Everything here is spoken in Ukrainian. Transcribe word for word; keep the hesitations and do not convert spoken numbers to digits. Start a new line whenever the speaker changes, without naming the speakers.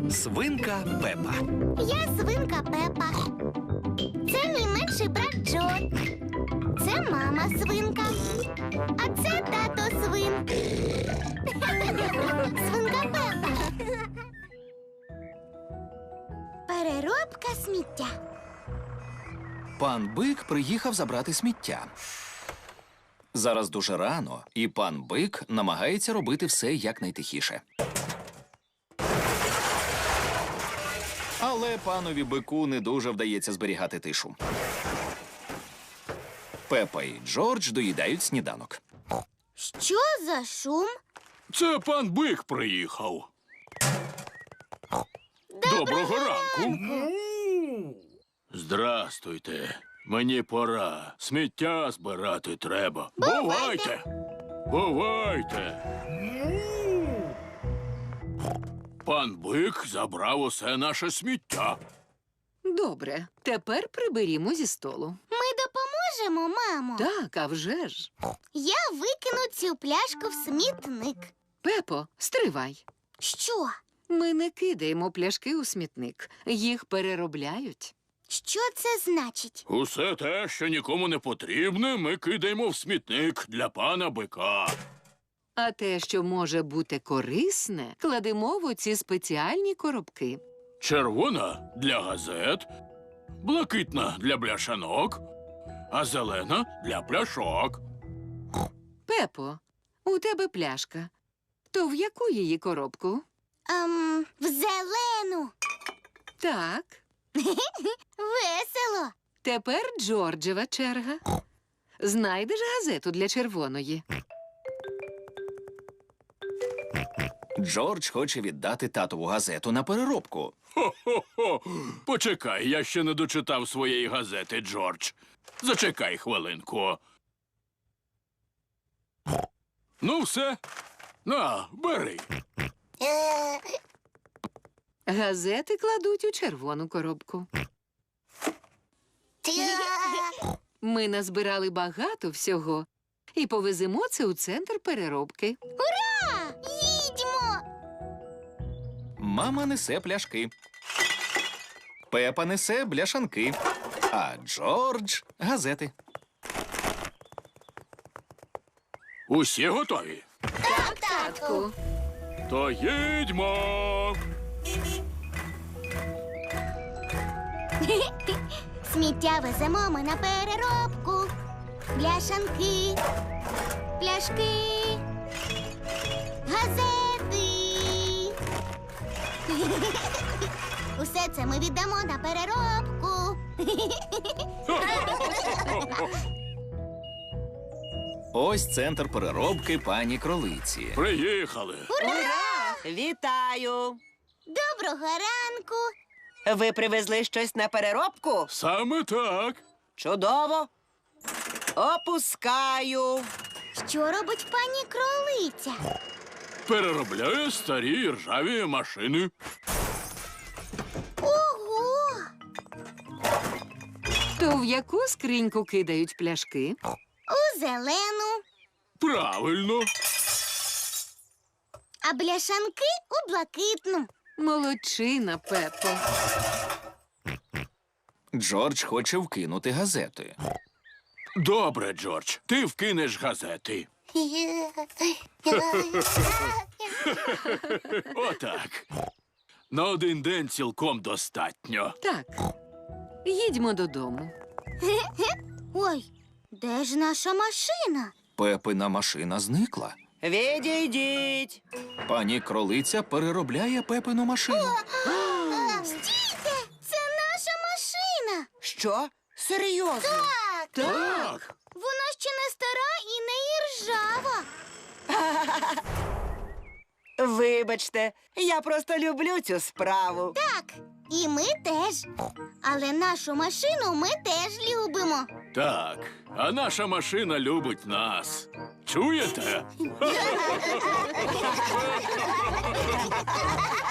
Свинка Пепа.
Я свинка Пепа. Це мій менший брат Джо. Це мама свинка. А це тато свин. Свинка Пепа. Переробка сміття.
Пан Бик приїхав забрати сміття. Зараз дуже рано, і пан Бик намагається робити все якнайтихіше. Але панові Бику не дуже вдається зберігати тишу. Пепа і Джордж доїдають сніданок.
Що за шум?
Це пан Бик приїхав. Доброго ранку. Здрастуйте. Мені пора. Сміття збирати треба. Бувайте. Бувайте. Пан Бик забрав усе наше сміття.
Добре, тепер приберімо зі столу.
Ми допоможемо, мамо.
Так, а вже ж.
Я викину цю пляшку в смітник.
Пепо, стривай.
Що?
Ми не кидаємо пляшки у смітник. Їх переробляють.
Що це значить?
Усе те, що нікому не потрібне, ми кидаємо в смітник для пана Бика.
А те, що може бути корисне, кладемо в оці спеціальні коробки.
Червона – для газет, блакитна – для бляшанок, а зелена – для пляшок.
Пепо, у тебе пляшка. То в яку її коробку?
Ем, в зелену.
Так.
Весело.
Тепер Джорджева черга. Знайдеш газету для червоної.
Джордж хоче віддати татову газету на переробку.
Хо-хо-хо! Почекай, я ще не дочитав своєї газети, Джордж. Зачекай хвилинку. Ну, все. На, бери.
Газети кладуть у червону коробку. Ми назбирали багато всього і повеземо це у центр переробки.
Ура! Їдьмо!
Мама несе пляшки. Пепа несе бляшанки. А Джордж – газети.
Усі готові?
Так, татку.
То їдьмо!
Сміття веземо ми на переробку. Бляшанки, пляшки, газети. Усе це ми віддамо на переробку.
Ось центр переробки пані Кролиці.
Приїхали.
Ура! Вітаю!
Доброго ранку.
Ви привезли щось на переробку?
Саме так.
Чудово! Опускаю.
Що робить пані Кролиця?
Переробляє старі ржаві машини.
Ого!
То в яку скриньку кидають пляшки?
У зелену,
Правильно.
а бляшанки у блакитну.
Молодчина, Пепо.
Джордж хоче вкинути газети.
Добре, Джордж, ти вкинеш газети. Отак. На один день цілком достатньо.
Так, їдьмо додому.
Ой, де ж наша машина?
Пепина машина зникла.
Відійдіть.
Пані Кролиця переробляє Пепину машину.
Стійте! Це наша машина!
Що? Серйозно?
Так!
Так.
Вона ще не стара і не іржава.
Вибачте, я просто люблю цю справу.
Так, і ми теж. Але нашу машину ми теж любимо.
Так, а наша машина любить нас. Чуєте?